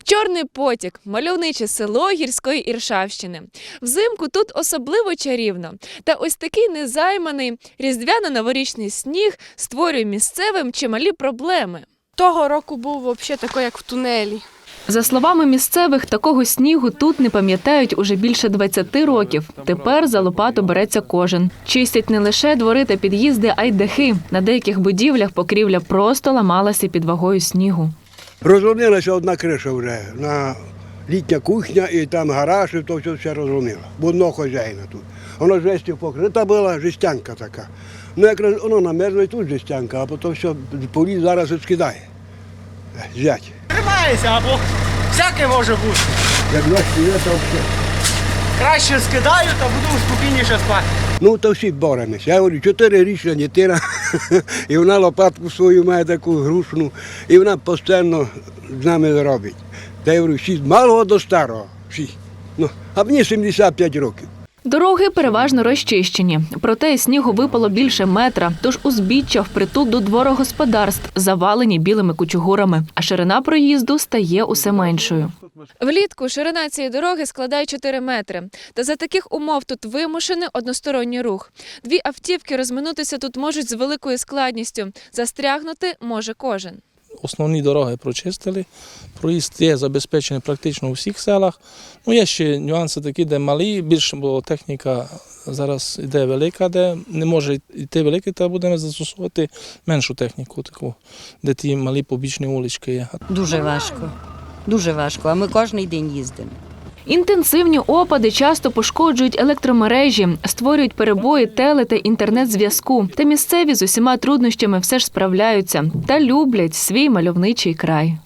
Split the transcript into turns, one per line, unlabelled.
Чорний потік – мальовниче село гірської Іршавщини. Взимку тут особливо чарівно. Та ось такий незайманий різдвяно-новорічний сніг створює місцевим чималі проблеми.
Того року був взагалі такий, як в тунелі.
За словами місцевих, такого снігу тут не пам'ятають уже більше 20 років. Тепер за лопату береться кожен. Чистять не лише двори та під'їзди, а й дахи. На деяких будівлях покрівля просто ламалася під вагою снігу.
Розломилася одна криша вже, на літня кухня і там гараж, і то все розломило. Бо одного хазяїна тут. Воно жестю покрита була, жестянка така. Ну якраз воно намерзло і тут жестянка, а потім все поліз зараз і скидає. Зять.
Тримається, або всяке може бути.
Як дощ піде, то все.
Краще скидаю, та буду спокійніше спати.
Ну, то всі боремося. Я говорю, 4-річна дитина, і вона лопатку свою має таку грушну, і вона постійно з нами робить. Та я говорю, всі з малого до старого, всі. Ну, а мені 75 років.
Дороги переважно розчищені. Проте снігу випало більше метра, тож узбіччя впритул до дворогосподарств завалені білими кучугурами, а ширина проїзду стає усе меншою. Влітку ширина цієї дороги складає 4 метри. Та за таких умов тут вимушений односторонній рух. Дві автівки розминутися тут можуть з великою складністю. Застрягнути може кожен.
Основні дороги прочистили, проїзд є забезпечений практично у всіх селах. Ну, є ще нюанси такі, де малі, більше, бо техніка зараз йде велика, де не може йти велика, то будемо застосовувати меншу техніку, таку, де ті малі побічні вулички є.
Дуже важко, а ми кожен день їздимо.
Інтенсивні опади часто пошкоджують електромережі, створюють перебої теле- та інтернет-зв'язку. Та місцеві з усіма труднощами все ж справляються та люблять свій мальовничий край.